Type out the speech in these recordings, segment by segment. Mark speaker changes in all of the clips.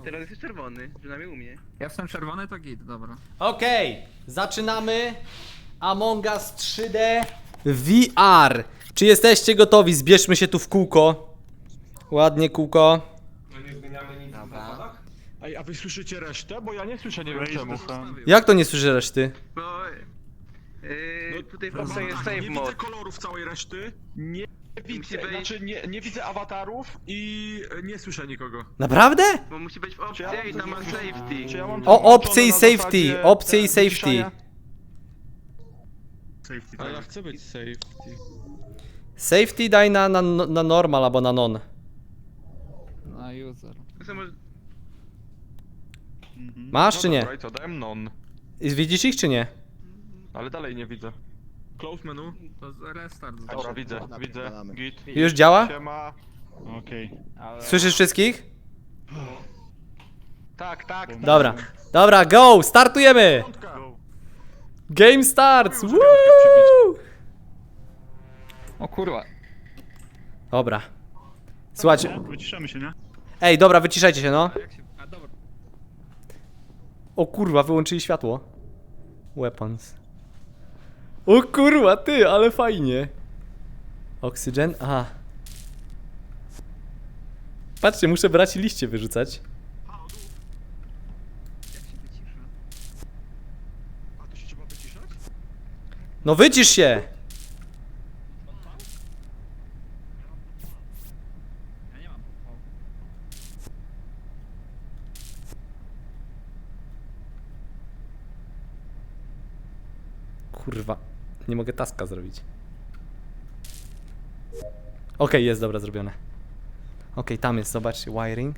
Speaker 1: Teraz jesteś czerwony, przynajmniej u mnie.
Speaker 2: Ja jestem czerwony, to git, dobra.
Speaker 3: Okej, zaczynamy Among Us 3D VR. Czy jesteście gotowi? Zbierzmy się tu w kółko. Ładnie kółko.
Speaker 4: No nie zmieniamy nic w zasadach?
Speaker 5: Ej, a wy słyszycie resztę? Bo ja nie słyszę, nie wiem czemu.
Speaker 3: Jak to nie słyszę reszty?
Speaker 1: Bo... tutaj w
Speaker 5: No,
Speaker 1: opcji jest save
Speaker 5: nie
Speaker 1: mode.
Speaker 5: widzę kolorów całej reszty, nie
Speaker 1: Musi
Speaker 5: widzę,
Speaker 1: być-
Speaker 5: znaczy nie widzę awatarów i nie słyszę nikogo.
Speaker 3: Naprawdę?
Speaker 1: Bo musi być w opcji
Speaker 5: Czy ja mam
Speaker 1: i tam ma
Speaker 5: coś-
Speaker 1: safety.
Speaker 5: Czy ja mam
Speaker 3: O,
Speaker 5: to
Speaker 3: opcje i
Speaker 5: włączone na
Speaker 3: safety,
Speaker 5: zasadzie
Speaker 3: opcje i
Speaker 5: te
Speaker 3: safety.
Speaker 5: wyciszania?
Speaker 4: Safety,
Speaker 5: A ja
Speaker 4: tak.
Speaker 5: chcę być safety.
Speaker 3: Safety daj na normal albo na non.
Speaker 2: Na user.
Speaker 1: To są może...
Speaker 3: Masz czy nie?
Speaker 5: Dobra, i co, dałem non,
Speaker 3: Widzisz ich czy nie?
Speaker 5: ale dalej nie widzę. Close menu.
Speaker 2: To restart.
Speaker 5: Dobra, widzę, git.
Speaker 3: Już działa?
Speaker 5: Siema. Okej.
Speaker 3: Słyszysz wszystkich?
Speaker 5: Tak.
Speaker 3: Dobra. Dobra, go! Startujemy! Game starts! Woo!
Speaker 2: O kurwa.
Speaker 3: Dobra. Słuchajcie.
Speaker 4: Wyciszamy się, nie?
Speaker 3: Ej, dobra, wyciszajcie się, no.
Speaker 2: Jak się... A dobra.
Speaker 3: O kurwa, wyłączyli światło. Weapons. O kurwa, ty, ale fajnie. Oxygen? Aha. Patrzcie, muszę brać i liście wyrzucać.
Speaker 2: Jak się wycisza?
Speaker 5: A to się trzeba wyciszać?
Speaker 3: No wycisz się!
Speaker 2: Ja nie mam. O.
Speaker 3: Kurwa, nie mogę taska zrobić. Okej, jest, dobra, zrobione. Okej, tam jest, zobaczcie, wiring.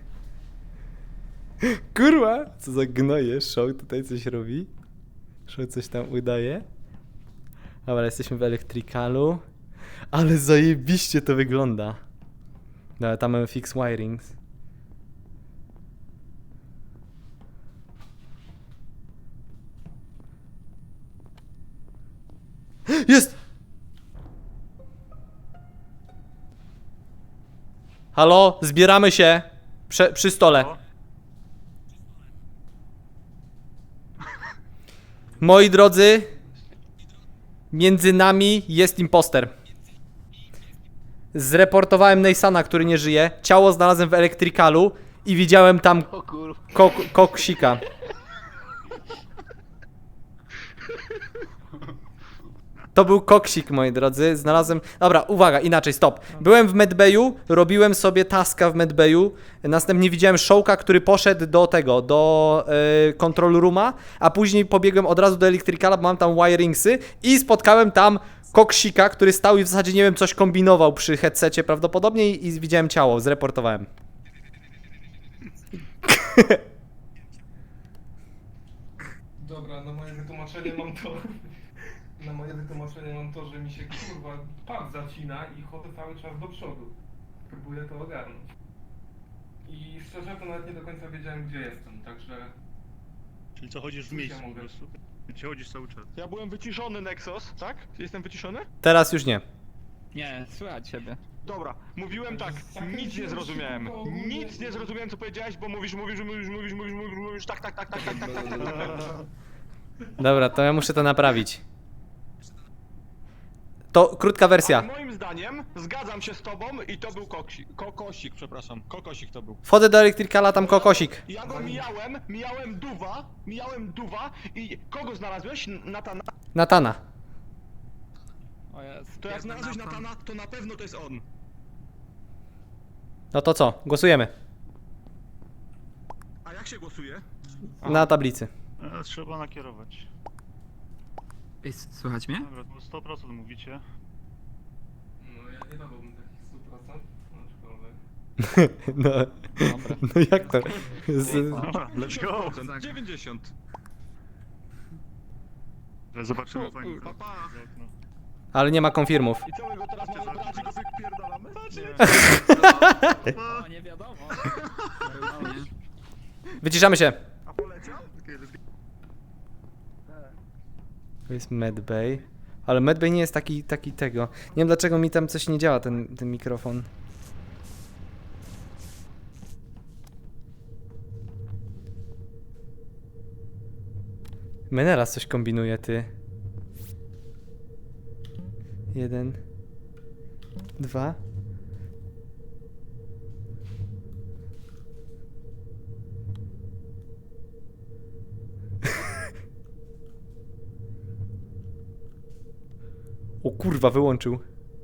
Speaker 3: Kurwa, co za gnoje, Show tutaj coś robi. Show coś tam udaje. Dobra, jesteśmy w elektrykalu. Ale zajebiście to wygląda. Dobra, tam mamy fix wirings. Jest! Halo, zbieramy się przy stole. Moi drodzy, między nami jest imposter. Zreportowałem Neysana, który nie żyje. Ciało znalazłem w elektrykalu i widziałem tam koksika. To był koksik, moi drodzy. Znalazłem... Dobra, uwaga, inaczej, stop. Byłem w medbayu, robiłem sobie taska w medbayu. Następnie widziałem Showka, który poszedł do tego, do control rooma, a później pobiegłem od razu do elektrykala, bo mam tam wiringsy i spotkałem tam koksika, który stał i w zasadzie, nie wiem, coś kombinował przy headsetie prawdopodobnie i widziałem ciało, zreportowałem.
Speaker 4: Dobra, na moje wytłumaczenie mam to... Na moje wytłumaczenie mam to, że mi się kurwa pad zacina i chodzę cały czas do przodu. Próbuję to ogarnąć. I szczerze to nawet nie do końca wiedziałem gdzie jestem, także...
Speaker 6: Czyli co, chodzisz w
Speaker 4: Już
Speaker 6: miejscu
Speaker 4: ja
Speaker 6: po
Speaker 4: mogę.
Speaker 6: prostu? Gdzie chodzisz cały czas?
Speaker 5: Ja byłem wyciszony, Nexus, tak? Jestem wyciszony?
Speaker 3: Teraz już nie.
Speaker 2: Nie, słychać ciebie.
Speaker 5: Dobra, mówiłem tak, nic nie zrozumiałem. Nic nie zrozumiałem co powiedziałeś, bo mówisz, tak.
Speaker 3: Dobra, to ja muszę to naprawić. To krótka wersja.
Speaker 5: Ale moim zdaniem zgadzam się z tobą i to był kokosik, przepraszam. Kokosik to był.
Speaker 3: Wchodzę do elektrykala, tam kokosik.
Speaker 5: Ja go mijałem duwa i kogo znalazłeś? Natana?
Speaker 3: Natana.
Speaker 2: O jest.
Speaker 5: To jak znalazłeś Natana, to na pewno to jest on.
Speaker 3: No to co? Głosujemy.
Speaker 5: A jak się głosuje?
Speaker 3: Na tablicy.
Speaker 6: Trzeba nakierować.
Speaker 2: Ej, słychać mnie?
Speaker 6: Dobra, to 100% mówicie.
Speaker 4: No ja nie dawałbym takich 100%, aczkolwiek...
Speaker 3: No,
Speaker 2: Dobra.
Speaker 3: no jak to?
Speaker 6: Dobra, let's go!
Speaker 5: 90.
Speaker 6: Zobaczymy fajnie.
Speaker 5: Papa.
Speaker 3: Ale nie ma konfirmów.
Speaker 5: I co my go teraz mamy brać i go wypierdalamy?
Speaker 2: O, nie wiadomo. O, nie.
Speaker 3: Wyciszamy się.
Speaker 5: A poleciał?
Speaker 3: To jest medbay. Ale medbay nie jest taki tego. Nie wiem dlaczego mi tam coś nie działa, ten mikrofon. Menelas coś kombinuje, ty. 1, 2. O kurwa, wyłączył.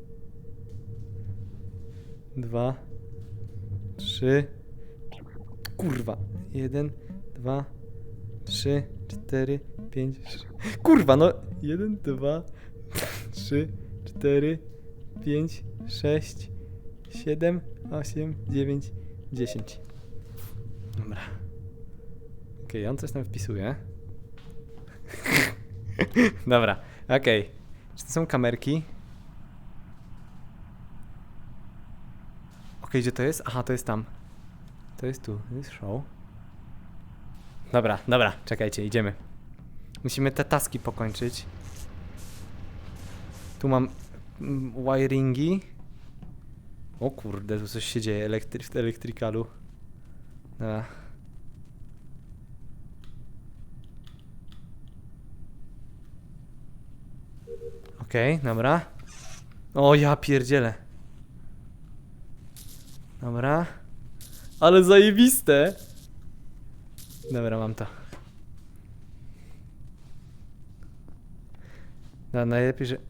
Speaker 3: 2, 3. Kurwa. 1, 2, 3, 4, 5, 6. Kurwa, no. 1, 2, 3, 4, 5, 6, 7, 8, 9, 10. Dobra. Okej, on coś tam wpisuje. Dobra, okej. Czy to są kamerki? Okej, gdzie to jest? Aha, to jest tam. To jest tu, to jest show. Dobra, dobra, czekajcie, idziemy. Musimy te taski pokończyć. Tu mam wiringi. O kurde, tu coś się dzieje w elektrykalu. Dobra. Okej, dobra. O, ja pierdzielę. Dobra. Ale zajebiste. Dobra, mam to. No, najlepiej, że...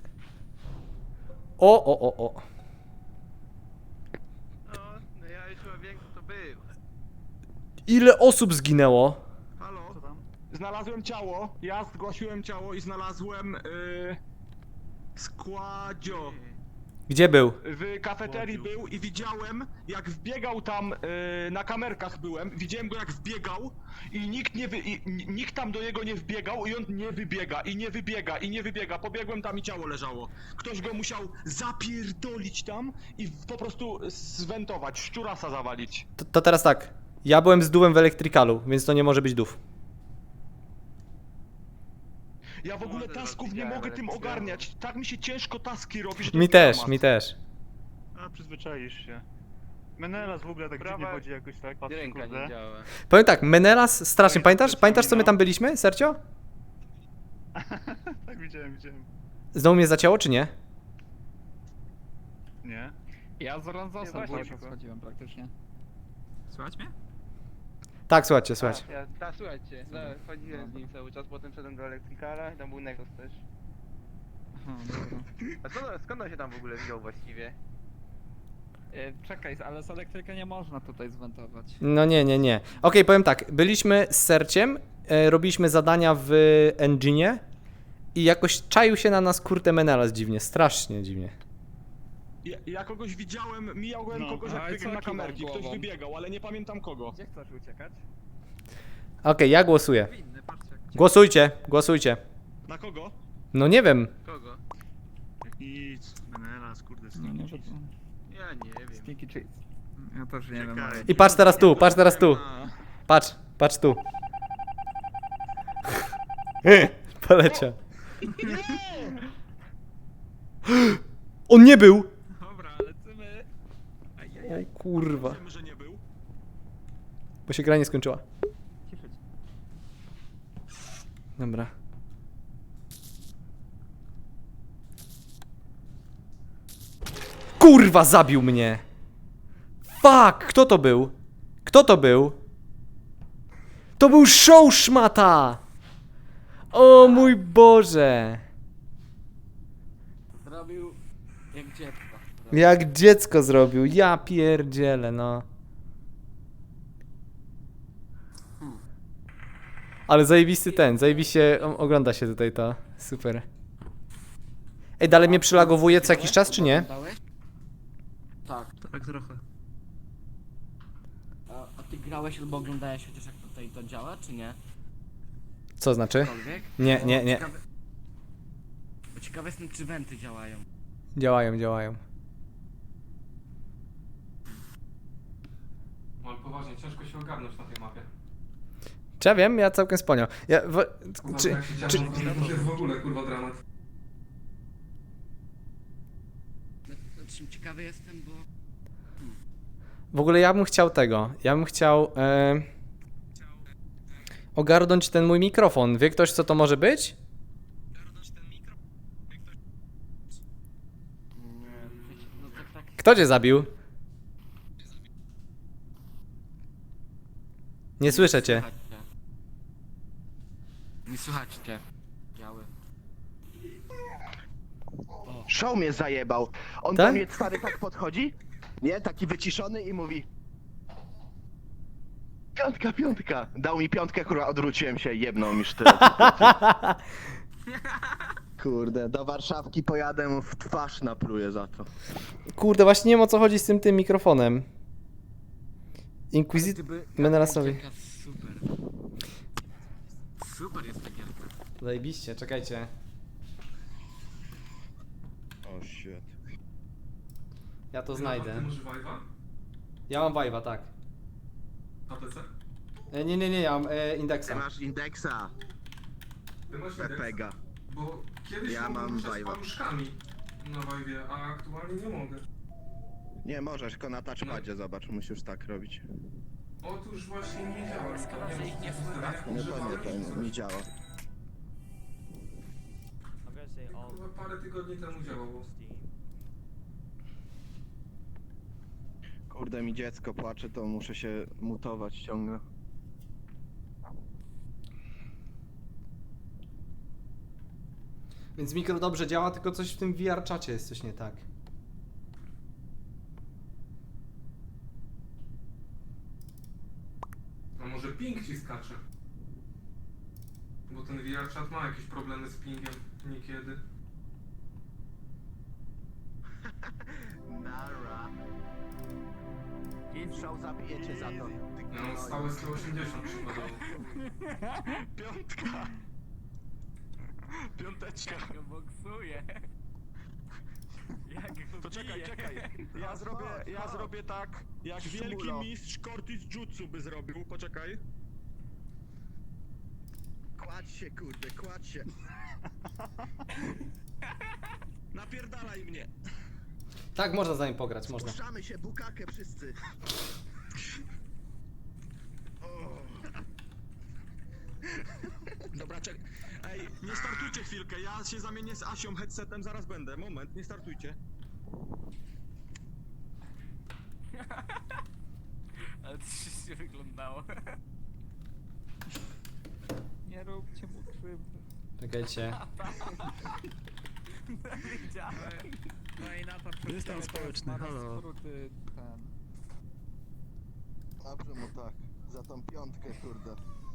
Speaker 3: O.
Speaker 1: No ja już chyba wiem, kto to był.
Speaker 3: Ile osób zginęło?
Speaker 1: Halo?
Speaker 6: Co tam?
Speaker 5: Znalazłem ciało, ja zgłosiłem ciało i znalazłem składzio.
Speaker 3: Gdzie był?
Speaker 5: W kafeterii był i widziałem, jak wbiegał tam, na kamerkach byłem, widziałem go jak wbiegał i nikt tam do niego nie wbiegał i on nie wybiega. Pobiegłem tam i ciało leżało. Ktoś go musiał zapierdolić tam i po prostu zwentować, szczurasa zawalić.
Speaker 3: To teraz tak. Ja byłem z dółem w elektrykalu, więc to nie może być dów.
Speaker 5: Ja w ogóle
Speaker 1: No,
Speaker 5: tasków nie
Speaker 1: widziałem,
Speaker 5: mogę
Speaker 1: ale
Speaker 5: tym
Speaker 1: widziałem.
Speaker 5: ogarniać. Tak mi się ciężko taski robi, że to
Speaker 3: Mi
Speaker 5: jest
Speaker 3: też,
Speaker 5: dramat.
Speaker 3: mi też.
Speaker 6: A, przyzwyczaisz się. Menelas w ogóle tak dziwnie
Speaker 1: Prawa
Speaker 6: chodzi jakoś tak, patrz,
Speaker 1: Ręka
Speaker 6: kurde.
Speaker 1: nie działa.
Speaker 3: Powiem tak, Menelas strasznie.
Speaker 6: Pamiętasz,
Speaker 3: Pamiętasz co my
Speaker 6: wspominał?
Speaker 3: tam byliśmy, Sergio?
Speaker 6: Tak, widziałem.
Speaker 3: Znowu mnie zacięło, czy nie?
Speaker 6: Nie?
Speaker 2: Ja z Ranzosem
Speaker 1: właśnie,
Speaker 2: cały czas
Speaker 1: tylko.
Speaker 2: chodziłem praktycznie. Słychać mnie?
Speaker 3: Tak, słuchajcie, słuchajcie.
Speaker 1: Słuchajcie, no, chodziłem z nim cały czas, potem szedłem do elektrykala i tam był Negos też.
Speaker 2: Aha, dobra.
Speaker 1: A skąd on się tam w ogóle wziął właściwie?
Speaker 2: Czekaj, ale z elektryka nie można tutaj zwentować.
Speaker 3: No nie. Okej, powiem tak. Byliśmy z Serciem, robiliśmy zadania w engine i jakoś czaił się na nas kurde Menelas dziwnie, strasznie dziwnie.
Speaker 5: Ja kogoś widziałem, mijałem
Speaker 6: No.
Speaker 5: kogoś
Speaker 2: A,
Speaker 5: jak
Speaker 2: i
Speaker 5: biegł
Speaker 2: co
Speaker 5: na
Speaker 2: kiwał
Speaker 5: kamerki, ktoś
Speaker 2: głową?
Speaker 5: wybiegał, ale nie pamiętam kogo.
Speaker 2: Gdzie chcesz uciekać?
Speaker 3: Okej, ja głosuję.
Speaker 2: Winny, patrzcie.
Speaker 3: Głosujcie.
Speaker 5: Na kogo?
Speaker 3: No nie wiem.
Speaker 1: Kogo?
Speaker 6: Nic, Menelas, kurde,
Speaker 2: No
Speaker 6: sneaky
Speaker 2: nie
Speaker 6: cheese.
Speaker 2: wiem.
Speaker 1: Ja nie wiem.
Speaker 2: Sticky cheese. Ja też nie wiem.
Speaker 6: Czekaj.
Speaker 2: ale-
Speaker 3: I patrz teraz tu. Patrz tu. Poleciał. On nie był!
Speaker 2: Dobra, lecimy.
Speaker 3: O kurwa.
Speaker 5: Wiemy, że nie był.
Speaker 3: Bo się gra nie skończyła.
Speaker 2: Cieszyć.
Speaker 3: Dobra. Kurwa, zabił mnie! Fuck! Kto to był? To był show szmata! O mój Boże!
Speaker 7: Zrobił jak dziecko.
Speaker 3: Jak dziecko zrobił, ja pierdzielę, no. Ale zajebiście ogląda się tutaj to. Super. Ej, dalej mnie przylagowuje co jakiś czas, czy nie?
Speaker 7: Oglądałeś? Tak.
Speaker 6: Tak trochę.
Speaker 7: A ty grałeś albo oglądałeś chociaż jak tutaj to działa, czy nie?
Speaker 3: Co znaczy?
Speaker 7: Cokolwiek?
Speaker 3: Nie,
Speaker 7: Bo
Speaker 3: nie.
Speaker 7: Bo ciekawe jestem, czy wenty działają.
Speaker 3: Działają.
Speaker 4: Ale poważnie, ciężko się ogarnąć na tej mapie.
Speaker 3: Czy ja wiem? Ja całkiem sponiał.
Speaker 4: Kurwa,
Speaker 3: Czy,
Speaker 4: jak się
Speaker 3: czy,
Speaker 4: działo, to jest w ogóle kurwa dramat.
Speaker 7: Znaczy, ciekawy jestem, bo...
Speaker 3: w ogóle ja bym chciał tego. Ja bym chciał... ogarnąć ten mój mikrofon. Wie ktoś, co to może być?
Speaker 7: No tak.
Speaker 3: Kto cię zabił? Nie słyszę cię.
Speaker 7: Słychać cię. Nie słychać cię. Biały.
Speaker 8: Show mnie zajebał. On
Speaker 3: Tak?
Speaker 8: do mnie stary tak podchodzi, nie? Taki wyciszony i mówi: piątka, piątka. Dał mi piątkę, kurwa, odwróciłem się, jebnął mi sztylet. Kurde, do Warszawki pojadę, mu w twarz napluję za to.
Speaker 3: Kurde, właśnie nie wiem, o co chodzi z tym mikrofonem. Inquisitor Menelasowi.
Speaker 7: Super. Super jest ta gierka.
Speaker 3: Zajebiście, czekajcie.
Speaker 8: O shit.
Speaker 3: Ja to
Speaker 4: Ty
Speaker 3: znajdę.
Speaker 4: masz Vive'a?
Speaker 3: Ja mam Vive'a, tak.
Speaker 4: Na PC?
Speaker 3: Nie, ja mam
Speaker 8: Ty
Speaker 3: Indexa.
Speaker 8: masz indeksa,
Speaker 4: Ty masz Indexa?
Speaker 8: Pepega.
Speaker 4: Bo kiedyś
Speaker 8: Ja
Speaker 4: mogłem
Speaker 8: mam
Speaker 4: ruszać
Speaker 8: Vive'a.
Speaker 4: paluszkami na Vive'ie, a aktualnie nie mogę.
Speaker 8: Nie możesz, tylko na touchpadzie, zobacz, musisz tak robić.
Speaker 4: Otóż właśnie nie działa.
Speaker 7: Szkoda, że ich nie wpływa.
Speaker 8: Nie, to nie działa.
Speaker 4: Chyba parę tygodni temu działało.
Speaker 8: Kurde, mi dziecko płacze, to muszę się mutować ciągle.
Speaker 3: Więc mikro dobrze działa, tylko coś w tym VR czacie jest coś nie tak.
Speaker 4: A może ping ci skacze? Bo ten VR chat ma jakieś problemy z pingiem niekiedy.
Speaker 8: Nara. I show zabijecie za to.
Speaker 4: Ja mam stałe 180 przykładowo.
Speaker 5: Piątka. Piąteczka.
Speaker 7: Jak go boksuje. Jak go
Speaker 5: To czekaj,
Speaker 7: bije.
Speaker 5: czekaj. Ja zrobię tak, jak wielki
Speaker 8: Szmulo.
Speaker 5: mistrz Cortis Jutsu by zrobił. Poczekaj.
Speaker 8: Kładź się, kurde, kładź się.
Speaker 5: Napierdalaj mnie.
Speaker 3: Tak, można za nim pograć, można.
Speaker 8: Puszczamy się, bukakę wszyscy.
Speaker 5: Dobra, czekaj. Ej, nie startujcie chwilkę, ja się zamienię z Asią headsetem, zaraz będę. Moment, nie startujcie.
Speaker 7: Ale to się wyglądało.
Speaker 2: Nie róbcie mu krzywdy.
Speaker 3: Czekajcie.
Speaker 7: Widziałem.
Speaker 2: No i na to
Speaker 6: Jestem społeczny, halo.
Speaker 2: skróty ten.
Speaker 8: Dobrze mu tak, za tą piątkę, kurde.